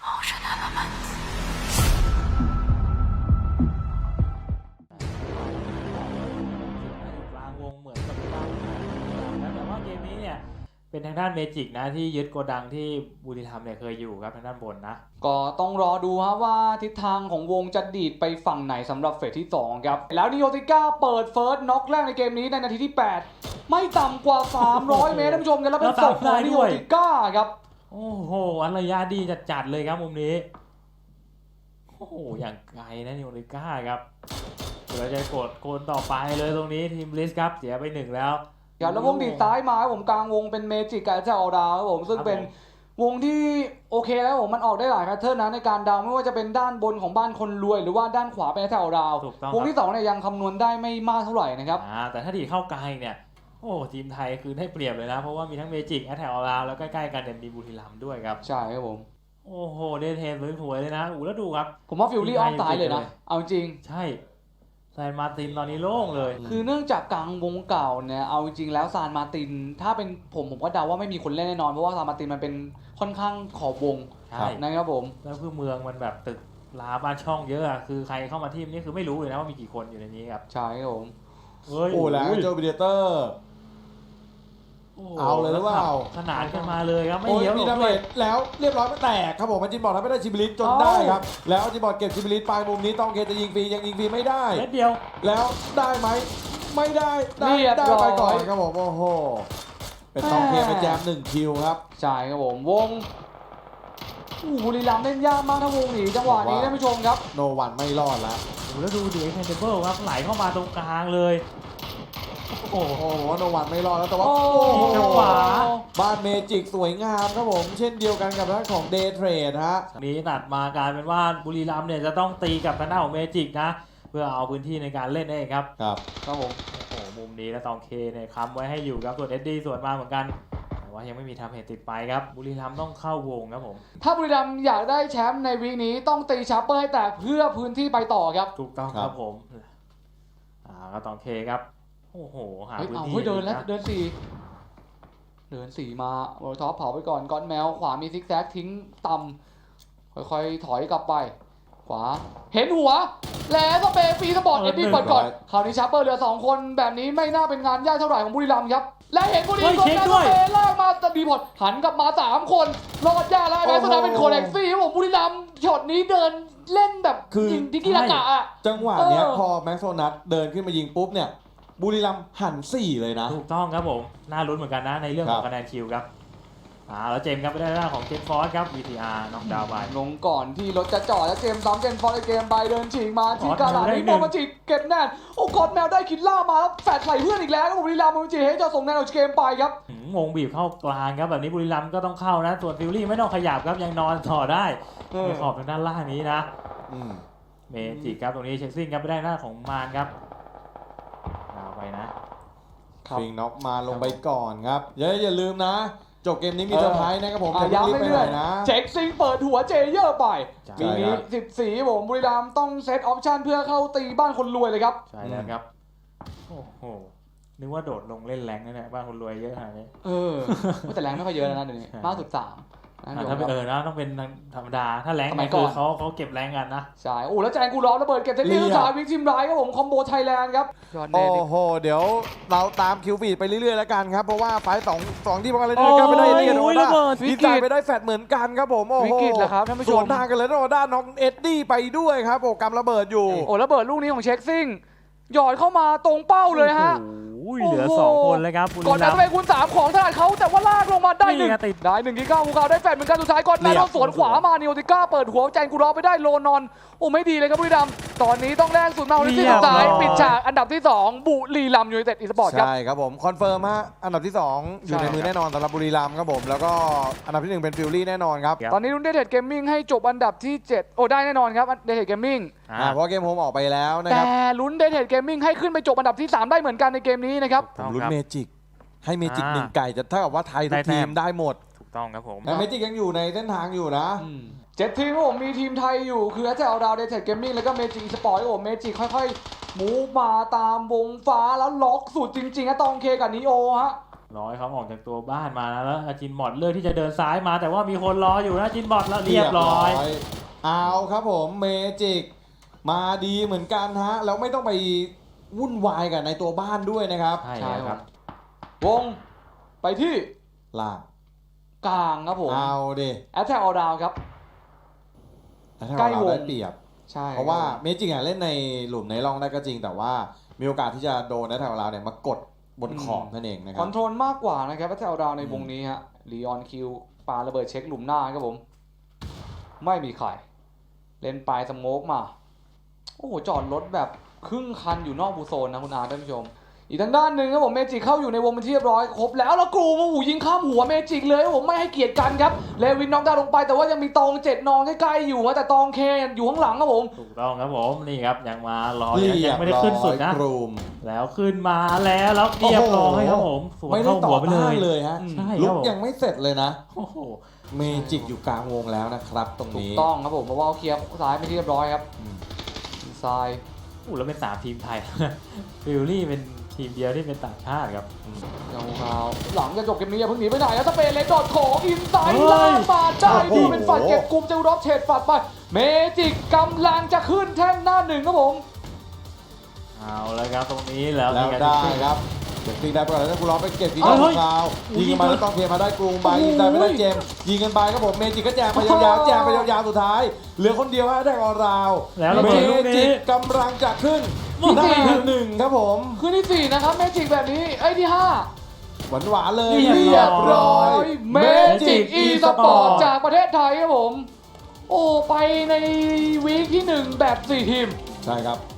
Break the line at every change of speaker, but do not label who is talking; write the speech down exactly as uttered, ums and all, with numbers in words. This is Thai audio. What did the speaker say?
กลางวงเหมือนกับตั้งนะแต่ว่าเกมนี้เนี่ยเป็นทางด้านเมจิกนะที่ยึดโกดังที่บุรีรัมย์เนี่ยเคยอยู่ครับทางด้านบนนะ
ก็ต้องรอดูฮะว่าทิศทางของวงจะดีดไปฝั่งไหนสำหรับเฟสที่สองครับแล้วนิโอติก้าเปิดเฟิร์สน็อกแรกในเกมนี้ในนาทีที่แปดไม่ต่ำกว่าสามร้อยเมตรท่านผู้ชมกันแล้วเป็นศพของนิโอติก้าครับ
โอ้โหอันระยะดีจัดๆเลยครับมุมนี้โอ้โหอย่างไกลนะนิโอติก้าครับเดี๋ยวจะกดโกนต่อไปเลยตรงนี้ทีมลิสครับเสียไปหนึ่งแล้ว
ครับแล้ววงดีดซ้ายมาผมกลางวงเป็นเมจิกกับเจ้าออดาวครับผมซึ่งเป็นวงที่โอเคแล้วผมมันออกได้หลายแพทเทิร์นนะในการดาวไม่ว่าจะเป็นด้านบนของบ้านคนรวยหรือว่าด้านขวาเป็นเจ้าออดาววงที่สองเนี่ยยังคำนวณได้ไม่มากเท่าไหร่นะครับ
อ่าแต่ถ้าดีเข้ากลางเนี่ยโอ้ทีมไทยคือได้เปรียบเลยนะเพราะว่ามีทั้งเมจิกแอตแทกออดาวแล้วใกล้ๆกันเนี่ยมีบุรีรัมย์ด้วยครับ
ใช่ครับผม
โอ้โหเดทเทนสวยๆเลยนะอู้แล้วดูครับ
ผมว่าฟิลลี่ออฟตายเลยนะเอาจริง
ใช่ซานมาตินตอนนี้โล่งเลย
คือเนื่องจากกลางวงเก่าเนี่ยเอาจริงแล้วซานมาตินถ้าเป็นผมผมก็เดาว่าไม่มีคนเล่นแน่นอนเพราะว่าซานมาตินมันเป็นค่อนข้างขอบวงนะครับผม
แล้วคือเมืองมันแบบตึกลาบ้านช่องเยอะคือใครเข้ามาทีมนี้คือไม่รู้เลยนะว่ามีกี่คนอยู่ในนี้ครับ
ใช่ครับผม
โอ้แล้วโจบิเดเตอร์เอาเลยหรือเปล่า
ขนาดกันมาเลยครับไม่
เยอะมีดาเมจแล้วเรียบร้อยไม่แตกครับผมมันจินบอลทำไม่ได้ชิบิลิสจนได้ครับแล้วจินบอลเก็บชิบิลิสไปมุมนี้ต้องเคจะยิงฟรียังยิงฟรีไม่ได้
เม็ดเดียว
แล้วได้ไหมไม่ได้ได้ได้ไปก่อนครับผมโอ้โหเป็นต้องเคไปแจมหนึ่งคิวครับ
ใช่ครับผมวงบุรีรัมย์เล่นยากมากถ้าวงหนีจังหวะนี้ท่านผู้ชมครับ
โนวันไม่รอดแล้ว
แล้วดูดิเอ็กเทนเบิลครับไหลเข้ามาตรงกลางเลย
โอ้โหโนวันไม่รอดแล้วแต่ว่า
จังหวะ
บ้านเมจิกสวยงามครับผมเช่นเดียวกันกับด้านของเดย์เทรดฮะ
นี้ตัดมากลายเป็นว่าบุรีรัมย์เนี่ยจะต้องตีกับทางด้านของเมจิกนะเพื่อเอาพื้นที่ในการเล่นเองครับ
ครับ
ครับผม
โอ้โหมุมนี้แล้วตองเคเนี่ยค้ำไว้ให้อยู่ครับส่วนเอ็ดดี้ส่วนมาเหมือนกันแต่ว่ายังไม่มีทำเหตุติดไปครับบุรีรัมย์ต้องเข้าวงครับผม
ถ้าบุรีรัมย์อยากได้แชมป์ในวีคนี้ต้องตีชาร์เปอร์ให้แตกเพื่อพื้นที่ไปต่อครับ
ถูกต้องครับผมอ่าก็ตองเคครับโอ้โหหาพื้นที่
เดินแล้วเดินสี่เดินสี่มาโอ้ท็อปเผาไปก่อนก้อนแมวขวามีซิกแซกทิ้งต่ำค่อยๆถอยกลับไปขวาเห็นหัวแล้วก็เปย์ฟรีสปอร์ตเอ็ดดี้ก่อนก่อนคราวนี้ชาร์เปอร์เหลือสองคนแบบนี้ไม่น่าเป็นงานยากเท่าไหร่ของบุรีรัมย์ครับและเห็นบุรีรัมย์ก็เปย์ลากมาดีพอดหันกลับมาสามคนรอดยากแล้วแม้สนามเป็นโคเล็กซี่ผมบุรีรัมย์ช็อตนี้เดินเล่นแบบยิงทิกิรากะอ่ะ
จังหวะเนี้ยพอแม็กโซนัทเดินขึ้นมายิงปุ๊บเนี่ยบุรีรัมย์หันสี่เลยนะ
ถูกต้องครับผมน่าลุ้นเหมือนกันนะในเรื่องของคะแนนคิวครับอ่าแล้วเจมส์ครับไปได้หน้าของเจนฟอร์สครับ วี ที อาร์ น็อกดาวน์ไป
ลงก่อนที่รถจะจอดแล้วเจมส์ซ้ำเจนฟอร์สในเกมไปเดินฉีกมาที่กาลานี่บอลมาฉีกเก็บแน่นโอ้กอดแมวได้คิดล่ามาแล้วแฟดใส่เพื่อนอีกแล้วบุรีรัมย์มันจีให้จะส่งแนวเกมไปครับ
งงบีบเข้ากลางครับแบบนี้บุรีรัมย์ก็ต้องเข้านะส่วนฟิลลี่ไม่ต้องขยับครับยังนอนต่อได้ในขอบทางด้านล่างนี้นะเมจิกครับตรงนี้เช็คซิ่งครับไปได้หน้าของมานครับเอาไปนะ
ฟิงน็อกมาลงไปก่อนครับอย่าอย่าลืมนะจบเกมนี้มีเซอร์ไพรส์นะครับผม
ย้ำเรื่อยๆเช็คซิงเปิดหัวเจเยอร์ไปปีนี้สิบสี่ผมบุรีรัมย์ต้องเซตออปชั่นเพื่อเข้าตีบ้านคนรวยเลยครับ
ใช่แล้วครับโอ้โหนึกว่าโดดลงเล่นแรงนั่นแหละบ้านคนรวยเยอะขนาดนี้
เออแต่แรงไม่ค่อยเยอะนะเดี๋ยวนี้มากสุดสาม
ถ้าเป็นเออนะต้องเป็นธรรมดาถ้าแรงคือเขาเขาเก็บแรงกันนะ
ใช่โอ้แล้วแจงกูร้อนระเบิดเก็บเทนนิสสายวิกซิมไรครับผมคอมโบไทยแลนด์ครับ
โอ้โหเดี๋ยวเราตามคิวฟีดไปเรื่อยๆแล้วกันครับเพราะว่าไฟสองสองที่พวกเราเล่นกันไม่ได้เรียนโอด้าดีใจไปได้แฟดเหมือนกันครับผมโอ้โห
วิกฤตแหละครับท่านผู้ชม
ส่วนทางกันเลยโอด้าน้องเอ็ดดี้ไปด้วยครับโอ้กำระเบิดอยู่
โอ้ระเบิดลูกนี้ของเช็คซิ่งหยอดเข้ามาตรงเป้าเลยฮะ
เหลือสองคนเลยครับ
ก่อนนั้นไปคุณสามของถนัดเขาแต่ว่าลากลงมาได้หนึ่งได้หนึ่งที่เก้าภูเขาได้แฟดเหมือนกันสุดท้ายก่อนแล้วสวนขวามานิโอติก้าเปิดหัวแจนกูรอไปได้โลนอนโอ้ไม่ดีเลยครับบุรีรัมย์ตอนนี้ต้องแลกสุดมาในที่สุดท้ายปิดฉากอันดับที่สองบุรีรัมย์ยูไนเต็ดอีสปอร์ตครับ
ใช่ครับผมคอนเฟิร์มฮะอันดับที่สองอยู่ในมือแน่นอนสำหรับบุรีรัมย์ครับผมแล้วก็อันดับที่หนึ่งเป็นฟิลลี่แน่นอนครับ
ตอนนี้รุ่นเดเทดเกมมิ่งให้จบอันดับที่เจ็ดโอ้ได้แน่นอนครับเดเทดเกมมิ่ง
เพราะเกมโฮมออกไปแล้วนะครับ
แต่ลุ้นเดเทดเกมมิ่งให้ขึ้นไปจบอันดับที่สามได้เหมือนกันในเกมนี้นะครับ
ผมลุ้นเมจิกให้เมจิกหนึ่งไก่จะเท่ากับว่าไทยทุกทีมได้หมด
ถูกต้องครับผม
แต่เมจิกยังอยู่ในเส้นทางอยู่นะ
เจ็ดทีมผมมีทีมไทยอยู่คือแอตแทกออดาวเดเทดเกมมิ่งแล้วก็เมจิกสปอร์ตโอ้เมจิกค่อยๆมูฟมาตามวงฟ้าแล้วล็อกสุดจริงๆนะตองเคกับนิโอฮะ
รอให้เขาออกจากตัวบ้านมาแล้วอาจินบอดเลือกที่จะเดินซ้ายมาแต่ว่ามีคนรออยู่นะจินบอดแล้วเรียบร้อย
เอาครับผมเมจิกมาดีเหมือนกันฮะแล้วไม่ต้องไปวุ่นวายกับในตัวบ้านด้วยนะครับ
ใช่
ใช่
แล้ว
ค
ค
รั
รับ
บวงไปที่
ล่าง
กลางครับผม
เอาดิ
แอตแทกออลดาวครับ
แล้วถ้า
ใกล้
เรา
วง
ได้เปรียบ
ใช่
เพราะว่าเมจิกอ่ะเล่นในหลุมในร่องได้ก็จริง แต่ว่ามีโอกาสที่จะโดนในแถวเราเนี่ยมากดบนขอบนั่นเองนะค
ค
รั
อบ นโทรลมากกว่านะครับแอตแทกออลดาวใน
อืม
วงนี้ฮะลีออนคิวปาระเบิดเช็คหลุมหน้าครับผม ไม่มีใคร เล่นปลายสโมกมา โอ้โห จอดรถแบบครึ่งคันอยู่นอกบูโซนนะคุณอาท่านผู้ชม อีกทางด้านหนึ่งครับผมเมจิกเข้าอยู่ในวงเป็นที่เรียบร้อยครบแล้วแล้วกรูมาหูยิงข้ามหัวเมจิกเลยครับผมไม่ให้เกียรติกันครับเลวินน็อกดาวน์ลงไปแต่ว่ายังมีตองเจ็ดนอนใกล้ๆอยู่นะแต่ตองเคอยู่ข้างหลังครับผม
ถูกต้องครับผมนี่ครับยังมารอ
เรี
ยั
ย
ง
บ
ไม่ได้
ร้อ
ขึ้นสุด
ย
นะ
กรูม
แล้วขึ้นมาแล้วแล้วเรียบร้อยครับผมสวน
ไม่ได้
เข้า
ต่
หั
อ
วไปเล
ต้าน
ย
เลยฮะ
อืม
ใช่
ลุ
ครั
ก
บผม
ยังไม่เสร็จเลยนะ
โอ้โห
เมจิกอยู่กลางวงแล้วนะครับตรง
ถูก
นี้
ต้องครับผมเพราะว่าเขาเคลียร์ซ้ายไปที่เรียบร้อยครับ
อืม
ซ้าย
อู้แล้วเป็นสามทีมไทย ฟิลลี่เป็นทีมเดียวที่เป็นต่างชาติครับ
ยาวๆหลังจะจบเกมนี้อย่าเพิ่งหนีไปไหนแล้วสเปนเลนดอดของอินไซด์
เฮ้ย
ลากมาได้
โอ้
ดู
โห
เป็นฝัดเก็บกลุ่มเจ้ารอบเฉดฝัดไปเมจิกกำลังจะขึ้นแท่นหน้าหนึ่งครับผม
เอาแล้วครับตรงนี้แล้ว
แล้ว
มีการ
ได้
ขึ้น
ครับเก็บตีได้ไปก่อนแล้วกูร้องไปเก็บตี
เฮ้
ได้
ย
ของเขา
เฮ้ย
ยิงกันมาแล้วต้องเคลียร์มาได้กรูมไป
โอ้โห
ยิงได้ไม่ได้เจมส์ยิงกันไปครับผมเมจิกก็แจกไปยาวๆแจกไปยาวๆสุดท้ายเหลือคนเดียวฮะได้ออราว
แล้วระ
เม
เบิดลูก
จิ
นี้
กกำลังจะขึ้น
โอ้โห
ได้หนึ่งครับผม
ขึ้นที่สี่นะครับเมจิกแบบนี้ไอ้ยที่ห้า
หวานหวานๆเลย
เรี
เรี
ย
ย
บบ ร้
ร้
อ
อย ยเมจิกอีสปอร์ตจากประเทศไทยครับผม โอ้ไปในวีคที่หนึ่งแบบสี่ทีม
ใช่ครับ